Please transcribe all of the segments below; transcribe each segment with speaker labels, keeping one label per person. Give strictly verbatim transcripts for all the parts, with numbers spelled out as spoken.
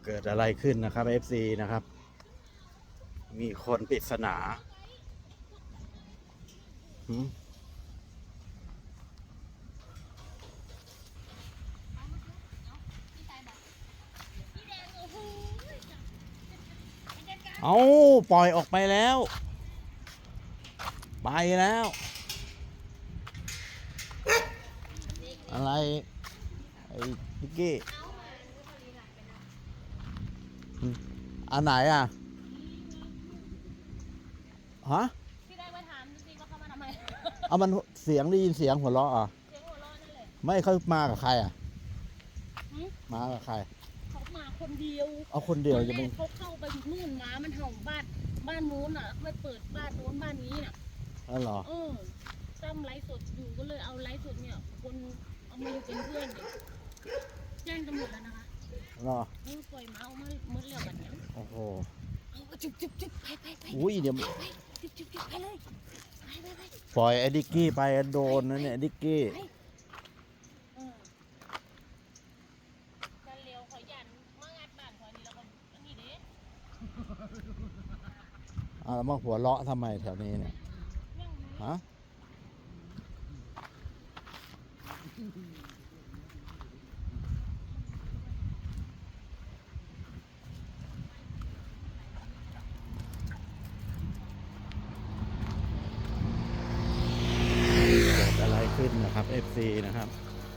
Speaker 1: เกิดอะไรขึ้นนะครับ เอฟ ซี นะครับมีคนปริศนาหืมเอาปล่อยออกไปแล้ว ไปแล้ว อะไร ไอ้พิกกี้อันไหนอ่ะ ฮะ
Speaker 2: พี่ได้มาถามจริงๆว่าเขามาทำไม
Speaker 1: เอามันเสียงได้ยินเสียงหัวเราะอ่ะ
Speaker 2: เสียงหัวเราะนั่นแหละ
Speaker 1: ไม่เขามากับใครอ่ะ
Speaker 2: หืม
Speaker 1: มากับใคร
Speaker 2: เขามาคนเดียว
Speaker 1: เอาคนเดียว
Speaker 2: ต
Speaker 1: จะ
Speaker 2: อนแร
Speaker 1: ไม่
Speaker 2: กเขาเข้าไปนู่นหมามันเห่าบ้านบ้านนู้นอ่ะไม่เปิดบ้านนู้นบ้านนี้น่ะ
Speaker 1: อ๋อเหรอ
Speaker 2: เออตั้มไลฟ์สดอยู่ก็เลยเอาไลฟ์สดเนี่ยคนเอามาอยู่เป็นเพื่อนเนี่ยแจ้งตำรวจแล้วนะคะ
Speaker 1: เหรอ
Speaker 2: เออปล่อยหมาออกมาเมื่อเร็วแบบนี้
Speaker 1: โอ้โห
Speaker 2: เอาจุ๊บจุ๊บจุ๊บไปไปไป
Speaker 1: อุ้ยเดี๋ยว
Speaker 2: ไปจุ๊บจุ๊บจุ๊บไปเลยไปไปไป
Speaker 1: ปล่อยไอ้ดิกกี้ไปโดนนะเนี่ยดิกกี้
Speaker 2: ไปเออการเลี้ยวขอยันมางัดบ้านขอนี่แล้วก็อันนี้เด้
Speaker 1: อ่าแล้วมาหัวเราะทำไมแถวนี้เนี่ย
Speaker 2: ยังมี
Speaker 1: ฮะ เกิดอะไรขึ้นนะครับ เอฟ ซี นะครับ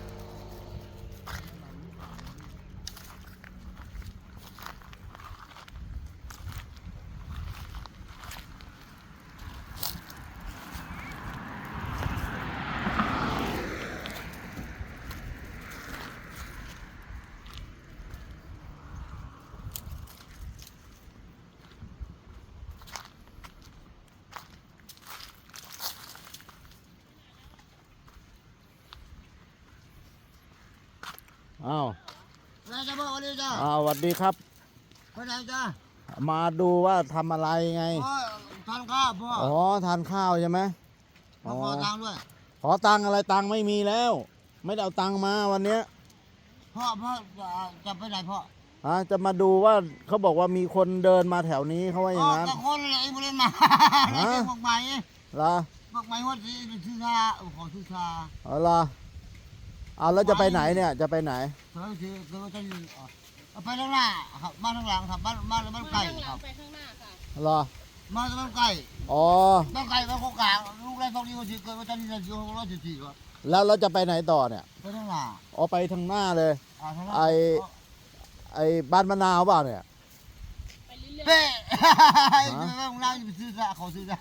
Speaker 1: อ้าว
Speaker 3: นายจะบอกอะไรจ้า
Speaker 1: อ้าวสวัสดีครับ
Speaker 3: คนไหนจ้า
Speaker 1: มาดูว่าทำอะไรไง
Speaker 3: พ่อทานข้าวพ่อ
Speaker 1: อ๋อ ทานข้าวใช่ไหม
Speaker 3: มาขอตังค์ด้วย
Speaker 1: ขอตังค์อะไรตังค์ไม่มีแล้ว ไม่ได้เอาตังค์มาวันเนี้ย
Speaker 3: พ่อพ่อจะไปไหนพ่อ
Speaker 1: ฮะจะมาดูว่าเขาบอกว่ามีคนเดินมาแถวนี้เขาว่าอย่างนั้น
Speaker 3: ก็คนอะไรไม่ได้มา
Speaker 1: ฮะ
Speaker 3: บอกใหม่
Speaker 1: เหรอ
Speaker 3: บอกใหม่ว่าที่ชื่อชาขอชื่อชา
Speaker 1: เอาเหรอเอาแล้วจะไปไหนเนี่ยจะไปไหน
Speaker 3: เธอคือเธอจะยืนเอาไปข้างหน้าครับบ้านข้างหลังครับบ้านบ้านบ้าน
Speaker 2: มา
Speaker 3: ไก่
Speaker 2: ข้างห
Speaker 3: ค
Speaker 2: ลั
Speaker 3: รั
Speaker 2: ง
Speaker 3: บ
Speaker 2: ไปข้างหน้าค่ะ
Speaker 1: เหรอ
Speaker 3: มาจากบ้านไก่
Speaker 1: อ๋อ
Speaker 3: บ้านไก่บ้านโคกกลางลูกแรกตรงนี้ก็ชื่อเกิดว่าจะนี่จะอยู่ร้อยสิบสี่ครับ
Speaker 1: แล้วเราจะไปไหนต่อเนี่ย
Speaker 3: ไปข้างหน้า
Speaker 1: อ๋อไปทางหน้าเลย
Speaker 3: อ่าข้างหน้า
Speaker 1: ไอ้ ไอ้บ้านมะนาวเปล่าเนี่ย
Speaker 2: ไปเรื่อย
Speaker 3: เป้จะไปบ้านข้างหน้าจะไปซื้อชาขอซื้อชา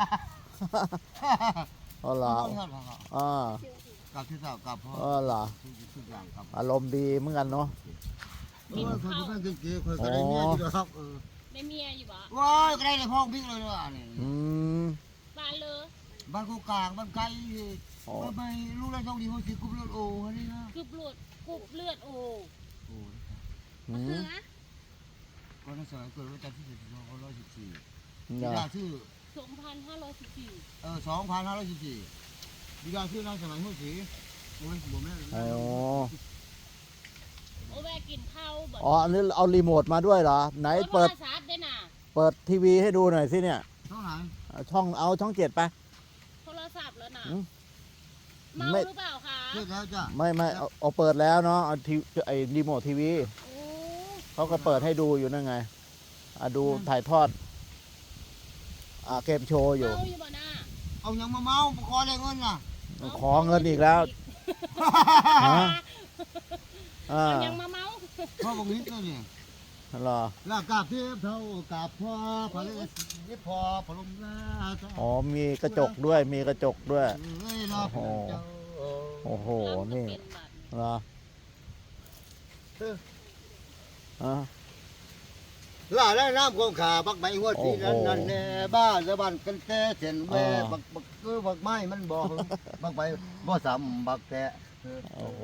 Speaker 1: อ๋อเหรออ่าก
Speaker 3: ลับที่สาวกลับพ่อ
Speaker 1: อ๋อเหรอ
Speaker 3: ทุกอย่างกลับ
Speaker 1: อารมณ์ดีเหมือนกันเนาะ
Speaker 3: เออเคยจะเป็นเก๋ๆเคยก็ได้เมียอยู่ครับเออ
Speaker 2: ๆได้เมียอยู่บ่
Speaker 3: ว้ายก็ได้เลยพ่อบิ๊กเลยว่ะนี่
Speaker 1: อืม
Speaker 2: บ้านเลย
Speaker 3: บ้านกูกลางบ้านไกล
Speaker 1: อ๋อ
Speaker 3: บ้านไปลูกได้ต้องดีหัวสีกุบเลือดโอ้นี่นะ
Speaker 2: คืบเลือดกุบเลือดโอ้
Speaker 3: โอ้
Speaker 1: อื
Speaker 2: เสื
Speaker 1: ม
Speaker 2: อ
Speaker 3: ก็ในสมัยเกิดวันจันทร์ที่สิบสองร้อยสิบสี่
Speaker 1: เหร
Speaker 3: บิ
Speaker 1: อ
Speaker 3: ดาชื่อ
Speaker 2: สองพันห้าร้อยสิบสี่
Speaker 3: เออสองพันห้าร้อยสิบสี่บิดาชื่อนายสมัยหัวสีโอ้ยบ่แม่
Speaker 1: อ๋อ
Speaker 2: โอ้แม่กินข้าวบ่
Speaker 1: อ๋ออันนี้เอารีโมทมาด้วยเหรอ ไหนเปิด
Speaker 2: โทรศัพท์ได้น่ะ
Speaker 1: เปิดทีวีให้ดูหน่อยสิเนี่ย
Speaker 3: เท่าไหร่
Speaker 1: เอาช่องเอาช่องเจ็ดไป
Speaker 2: โทรศัพท์แล้วน่ะ
Speaker 1: อืม
Speaker 2: เมา
Speaker 1: ไม่
Speaker 2: หรือเปล่าคะ
Speaker 3: เชื่อแล้วจ้ะ
Speaker 1: ไม่ไม่เอาเอาเปิดแล้วเนาะเอาทีไอ้รีโมททีวี
Speaker 2: โอ้
Speaker 1: เขาก็เปิดให้ดูอยู่นั่นไงอ่ะดูถ่ายทอดอ่าเกมโชว์อยู่
Speaker 2: เมาอยู่บ่น่ะ
Speaker 3: เอายังมาเมาขอได้เงินน่ะ
Speaker 1: ขอเงินอีกแล้วฮะอ่า
Speaker 2: เอายังมาเมา
Speaker 3: พ่อบอกนิดเลยเนี่ย
Speaker 1: เหรอ
Speaker 3: ลากาบเทียบเท่ากาบพ่อพระเลสยิบพอพลมลา
Speaker 1: อ๋อมีกระจกด้วยมีกระจกด้วย
Speaker 3: เอ้ยเนาะ
Speaker 1: โอ้โห โอ้โหนี่
Speaker 2: รับก็เป็บัตร
Speaker 1: เหรออ่ะ
Speaker 3: ล่าได้น้ำคงขาบักใบหัวสีนั่นนั่นแน่บ้าสะบันกันแต่เส้นแม่บักบักคือบักไม้มันบ่บักใบบ่ซ้ำบักแตะ
Speaker 1: โอ้โห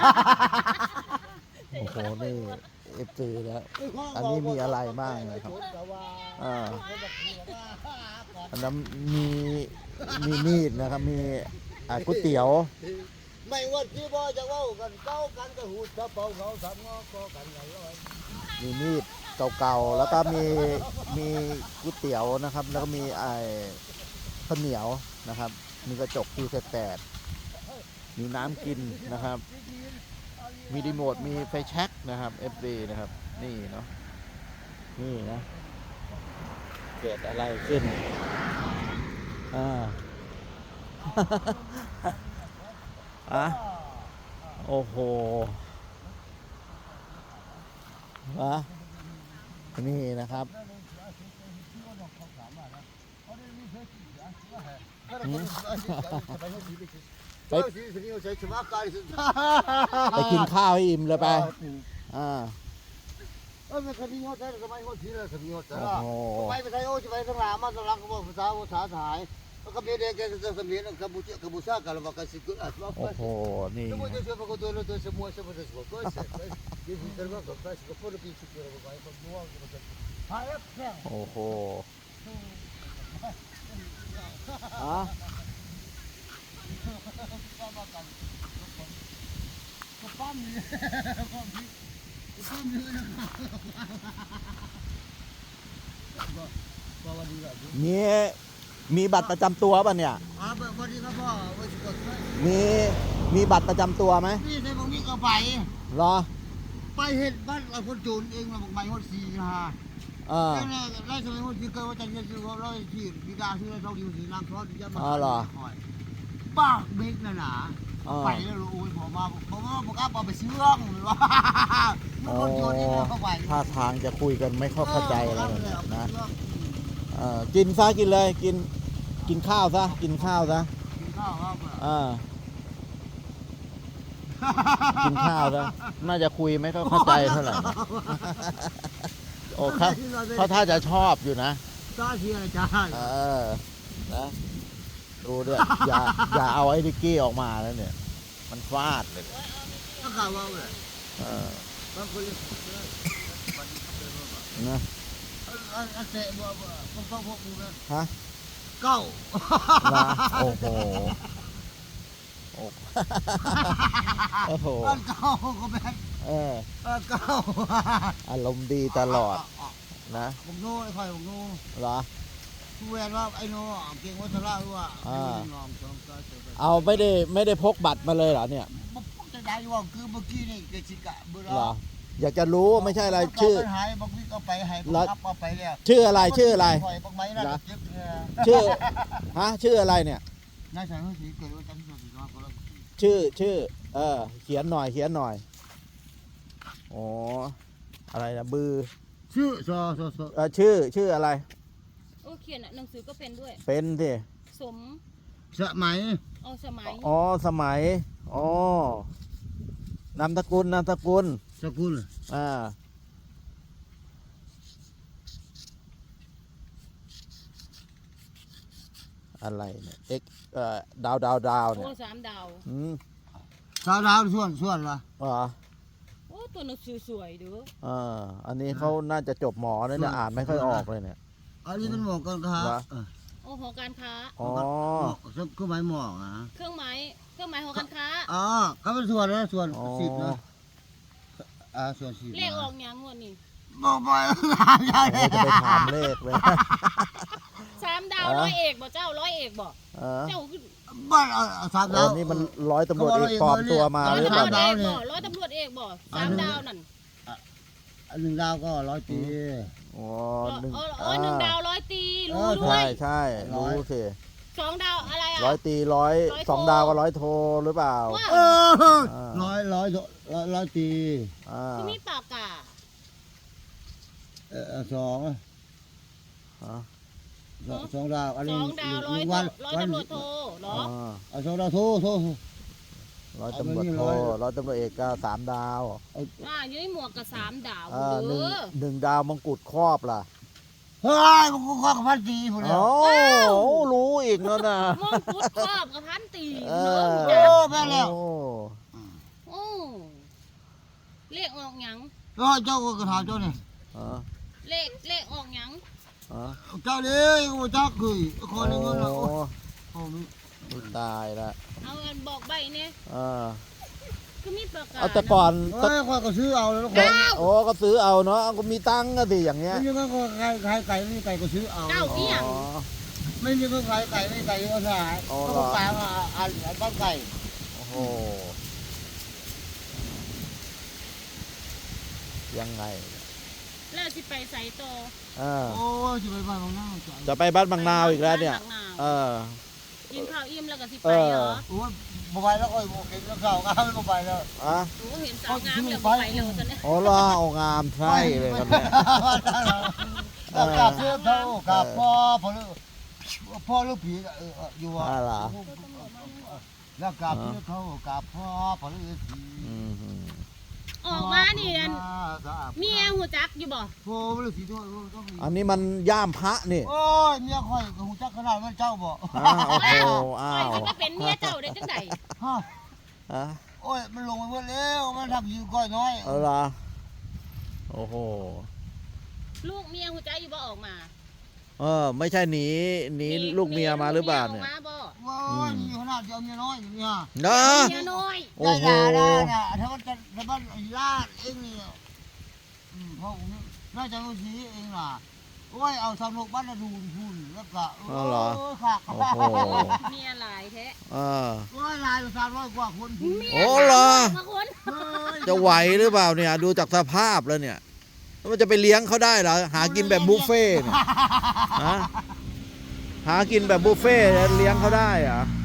Speaker 1: โอ้โหนี่เอฟซีแล้ว อันนี้มีอะไรบ้างเลยครับ อ่าอันนั้นมีมีมีดนะครับมีอ่าก๋วยเตี๋ยว
Speaker 3: ไม่ว่าที่บ่จะเว้ากันเก้ากันก็หูดกระเป๋าเขาสามงอก็กันกันร้อย
Speaker 1: มีมีด
Speaker 2: เอ
Speaker 1: เก่าๆแล้วก็มีมีก๋วยเตี๋ยวนะครับ แล้วก็มีไอ้ข้าวเหนียวนะครับ มีกระจกที่แตกๆมีน้ำกินนะครับ มีรีโมทมีไฟแช็กนะครับ เอฟ ดี นะครับนี่เนาะนี่นะเกิดอะไรขึ้นอ่า อะโอ้โหวะนี่นะครับหืม ไปไปกินข้าวให้อิ่มเลยไปอ่า
Speaker 3: เออมันคดีงดได้สมัยงดทีละคดีงดแต่
Speaker 1: โอ้
Speaker 3: ละ
Speaker 1: โห
Speaker 3: ไปไปไทยโอ้จะไปทั้งหลายมาสลักก็บอกภาษาภาษาไทยแล้วก็มีเด็กก็จะเรียนกัมพูชากัมพูชากันแล้วก็สิกุอ่ะว่า
Speaker 1: โอ้โหนี่
Speaker 3: semua dia siapa kau tuan tuan semua semua semua kau dia bisa kan kau kasih kau pun lebih sikit apa baik kau buang kau macam hayat kan
Speaker 1: โอ้โหอ่ะ
Speaker 3: kau pam ni pam ni pam ni nak bawa dia tu
Speaker 1: มีมีบัตรประจำตัวป่ะเนี่ย
Speaker 3: apa kau ni kau bawa kau cukup
Speaker 1: มีมีบัตรประจำตัวไหม
Speaker 3: นี่ในพวกนี้ก็ไป
Speaker 1: เหรอ
Speaker 3: ไปเห็นบ้านเราคนโจรเองมาบอกใบหดสีนะฮะ
Speaker 1: เออ
Speaker 3: แล้วเนี่ยไล่สมัยหดสีเกิดว่าจะเรียนซื้อเขาร้อยที่ดีดาซื้อเราดีสีนางทอดจะมาป้าเบกน่ะนะ
Speaker 1: อ่า
Speaker 3: ไปแล้วโอ้ยผมมาผมว่าผมก็เอาไปซื้อร่องหรือว่ามันคนโจรเองเข้าไป
Speaker 1: ท่าทางจะคุยกันไม่เข้าเข้าใจอะไรเลยนะเออกินซะกินเลยกินกินข้าวซะกินข้าวซะ
Speaker 3: กินข้าวครับ
Speaker 1: อ่ากินข้าวซะน่าจะคุยไม่ค่อยเข้าใจเท่าไหร่นะโอ้เขาเขาถ้าจะชอบอยู่นะ
Speaker 3: จ้าเชียร์จ้า
Speaker 1: เออนะดูด้วยอย่าอย่าเอาไอ้ดิกกี้ออกมาแล้วเนี่ย มันฟาดเลย
Speaker 3: ก็กล่าวว่าเลย
Speaker 1: เออบ
Speaker 3: างคนเลย
Speaker 1: นะ
Speaker 3: อันเตะบ่บ่พวกพวกมึงนะ
Speaker 1: ฮะ
Speaker 3: เก้า
Speaker 1: นะโอ้โหโอ้โอ้โห
Speaker 3: อันเก้าก็แม่น
Speaker 1: เออ
Speaker 3: อันเก้า
Speaker 1: อารมณ์ดีตลอดนะ
Speaker 3: ผมโน่ไอ้ข่อยผมโน่
Speaker 1: เหรอ
Speaker 3: ผู้แวนว่าไอ้โน่เก่งวัฒระว่า
Speaker 1: อ่า
Speaker 3: ลองสองก็เจอไป
Speaker 1: เอาไม่ได้ไม่ได้พกบัตรมาเลยเหรอเนี่ย
Speaker 3: มันจะได้ว่าคือเมื่อกี้นี่เกจิกะเบอร์
Speaker 1: เหรออยากจะรู้ไม่ใช่อะไรชื่อ
Speaker 3: หายบางวิกเอาไปหายบางรับเอาไปแล้ว
Speaker 1: ชื่ออะไรชื่ออะไร
Speaker 3: ข่อยบางไม้น่ะเจ็บเนี่ย
Speaker 1: ชื่อฮะชื่ออะไรเนี่ย
Speaker 3: นายสายเขาสีเกิดว่าจันทร์สีน้อยก็แล้ว
Speaker 1: ชื่อชื่อ เออ เขียนหน่อยเขียนหน่อยอ๋ออะไรนะบือ
Speaker 3: ชื่อซอซอซอ
Speaker 1: เออชื่อชื่ออะไร
Speaker 2: โอ้เขียนอ่ะหนังสือก็เป็นด้วย
Speaker 1: เป็นสิ
Speaker 2: สม
Speaker 3: สมัย
Speaker 2: เอาสมัย
Speaker 1: อ๋อสมัยอ๋อนามสกุลนามสกุล
Speaker 3: สกุล
Speaker 1: อ่าอะไรเนี่ยเอ็กเอ่อดาวดาวดาวเนี่
Speaker 2: โอ้
Speaker 1: ย
Speaker 2: สามดาว
Speaker 1: อืม
Speaker 3: สาวดาวส่วนส่วนละ
Speaker 1: เหรอ
Speaker 2: โอ้ตัวหนังสือสวยเด้อ
Speaker 1: อ่าอันนี้เขาน่าจะจบหมอนะเนี่ยอ่านไม่ค่อยออกเลยเนี่ย
Speaker 3: อันนี้เป็นหมอกกันครับ
Speaker 2: โอ้หอการค้า
Speaker 1: อ๋อ
Speaker 3: ก็หมายหมอกนะ
Speaker 2: เครื่องหมายเครื่องหมายหอการค้า
Speaker 3: อ๋อก็เป็นส่วนนะส่วน
Speaker 1: อ๋อ
Speaker 3: สิบนะอ่าส่วนสิบ
Speaker 2: เลขออกยังงวดนี้
Speaker 3: บอกไปถามยาย
Speaker 1: โอ้จะไปถามเลขเลย
Speaker 2: สามดาว
Speaker 1: อ่ะ
Speaker 2: ร้อยเอกบ่เจ้าร้อยเอกบ่
Speaker 1: เออ
Speaker 2: เจ้าคือ
Speaker 3: บ้านสาม
Speaker 1: โอ้
Speaker 3: ดาว
Speaker 1: นี่มันร้อยตำรวจเอกปลอมตัวมา
Speaker 2: ร้อย
Speaker 1: หรือ
Speaker 2: ตำ
Speaker 1: เป
Speaker 2: ร
Speaker 1: ล่าว
Speaker 2: จ
Speaker 1: เนี่ย
Speaker 2: เอกบ่ร้อยตำรวจเอกบ่สามดาวนั่น
Speaker 3: อันหนึ่งดาวก็ร้อยปี
Speaker 1: อ๋อ
Speaker 2: อ๋อ
Speaker 1: หนึ่ง
Speaker 2: อ๋ออ๋อหนึ่งดาวร้อยตีรู้
Speaker 3: เออ
Speaker 2: ด้ว
Speaker 1: ใช่
Speaker 2: ย
Speaker 1: ใช่รู้สิ
Speaker 2: สองดาวอะไรอ่ะ
Speaker 1: ร้อยตีร้อย
Speaker 2: ร้อยโท
Speaker 1: สองดาวก็ร้อยโทหรือเปล่า
Speaker 2: ว่า
Speaker 3: เออร้อยร้อยร้อยร้อยปี
Speaker 1: อ่า
Speaker 2: ที่มีปากกา
Speaker 3: เออสอง
Speaker 1: อ่า
Speaker 3: สองดาวอัน
Speaker 2: ส
Speaker 3: นี้
Speaker 2: องดาวร้อย
Speaker 3: วัน
Speaker 2: ร้อย
Speaker 3: วัน
Speaker 2: ตำรวจโทเหรอ
Speaker 1: อ่า
Speaker 3: เอาสองดาวโทโท
Speaker 1: ร้อยตำรวจโท
Speaker 3: เอาไปนี่ร้อย
Speaker 1: ร้อยตำรวจเอกก็สามดาว
Speaker 2: อ่าอยู่ในหมวกกับสามดาว
Speaker 1: อ่าห
Speaker 2: เด้
Speaker 1: นึ่ง
Speaker 2: อ
Speaker 1: หนึ่งดาวมงกุฎครอบล่ะ
Speaker 3: เฮ้ยมันก็ข้อกับพันตีผมแล้ว
Speaker 1: โอ้รู้อีกแล้วนะ
Speaker 2: มงกุฎครอบกับพันตี
Speaker 1: เอ
Speaker 2: เด้อ
Speaker 1: อ
Speaker 3: แม่แล้ว
Speaker 1: โอ้
Speaker 2: โอ้เลขออกหยัง
Speaker 3: ก็เจ้าก็กระถางเจ้าเนี่ย
Speaker 1: อ่า
Speaker 2: เลขเลขออกหยัง
Speaker 1: อ่า
Speaker 3: เจ้าเลยก็เจ้าคือค
Speaker 1: โอ้
Speaker 3: นนึงก็นะโอ้โห
Speaker 1: ไม่ตายละ
Speaker 2: เอาอันบอกใบเนี่ย
Speaker 1: อ่า
Speaker 2: ก็มีประกาศ
Speaker 1: เอาแต่ก่อน
Speaker 3: เอ้ยข้อยก็ซื้อเอาแล้ว
Speaker 1: แต่โอ้ก็ซื้อเอาเนาะก็มีตังค์ก็สิอย่างเงี้ย
Speaker 3: ไม่มีก็ใครใครไก่ไม่มีไก่ก็ซื้อเอา
Speaker 2: เก้า
Speaker 1: อ๋
Speaker 2: เที่ยง
Speaker 1: อ
Speaker 3: ไม่มีก็ใครไก่ไม่มีไก่ก็ได้
Speaker 1: อ๋อ
Speaker 3: ก็ตามอันบ้านไก่
Speaker 1: โอ้โหยังไง
Speaker 2: แล้วสิไปใส่โตอ
Speaker 1: เออ
Speaker 3: โอ้ยจะไปบ้านของน้าจ้ะ
Speaker 1: จะไปบ้านบางนาวอีกแล้วเนี่ย
Speaker 2: บ้าบางาว
Speaker 1: เออ
Speaker 2: กินข้าวอิ่มแล้วก็สิ
Speaker 1: เอ
Speaker 2: ไป
Speaker 1: อ
Speaker 2: เหรอ
Speaker 3: โอ้ยบ่ไปแล้วโอ้ยบ่กินแล้วข้าวงามบ่ไปแล้ว
Speaker 1: อ่ะ
Speaker 2: โอ้เห็นสาวงามแล้วบ่ไปเลยตอนนี้
Speaker 1: โอ้ล่ะเอางามใช่เลยครับเนี่ย
Speaker 3: แล้วกลับเพื่อเท่ากลับพ่อพ่อลูกพ่อลูกผีเอออยู่ว่า
Speaker 1: อ่าล่ะ
Speaker 3: แล้วกลับเพื่อเท่ากลับพ่อพ่อลูกผี
Speaker 1: อืมฮึ
Speaker 2: ออกมานี่อันเมียหูจักอยู่บ่
Speaker 3: พ่อลูกผีด้วยต้องมี
Speaker 1: อันนี้มันย่ามพระนี่
Speaker 3: โอ้ยเมียข่อยก็หูจักขนาดมันเจ้าบ่
Speaker 1: อ้าวโอ้โหอ้า
Speaker 2: ไป
Speaker 1: ว
Speaker 2: สิมาเป็นเมียเจ้าได้จังได๋
Speaker 3: ฮะ
Speaker 1: อ่ะ
Speaker 3: โอ้ยมันลงไปหมดแล้วมันทำอยู่ก้อยน้อย
Speaker 1: เอาล่ะโอ้โห
Speaker 2: ลูกเมียหูจักอยู่บ่ออกมา
Speaker 1: เออไม่ใช่หนีหนีลูกเมียมาหรือเปล่าเนี่ย
Speaker 2: มีลูกมีออกมาบ่
Speaker 3: โอ้ยมีขนาดเดียวเมียน้อยอย่างเงี้ย
Speaker 1: เนาะ
Speaker 2: เมียน้อย
Speaker 1: โอ้โห
Speaker 3: ได้ได้ได้ถ้ามันจะถ้ามันลาดเองนี่อืมพ่อผมน่าจะรู้สีเองล่ะโอ้ยเอาทำลูกบ้านละดูพูนแล้วก็โอ้ยค่ะ
Speaker 1: โอ้โห
Speaker 2: เมียหลายแท้
Speaker 1: เออ
Speaker 3: โอ้ยลายสามร้อยกว่าคน
Speaker 2: เมีย
Speaker 1: โอ้เหรอ
Speaker 2: มาคน
Speaker 1: จะไหวหรือเปล่าเนี่ย ดูจากสภาพแล้วเนี่ยแล้วมันจะไปเลี้ยงเขาได้เหรอหากินแบบบุฟเฟ่ต์เนี่ยฮะหากินแบบบุฟเฟ่ต์เลี้ยงเขาได้เหรอ
Speaker 3: โ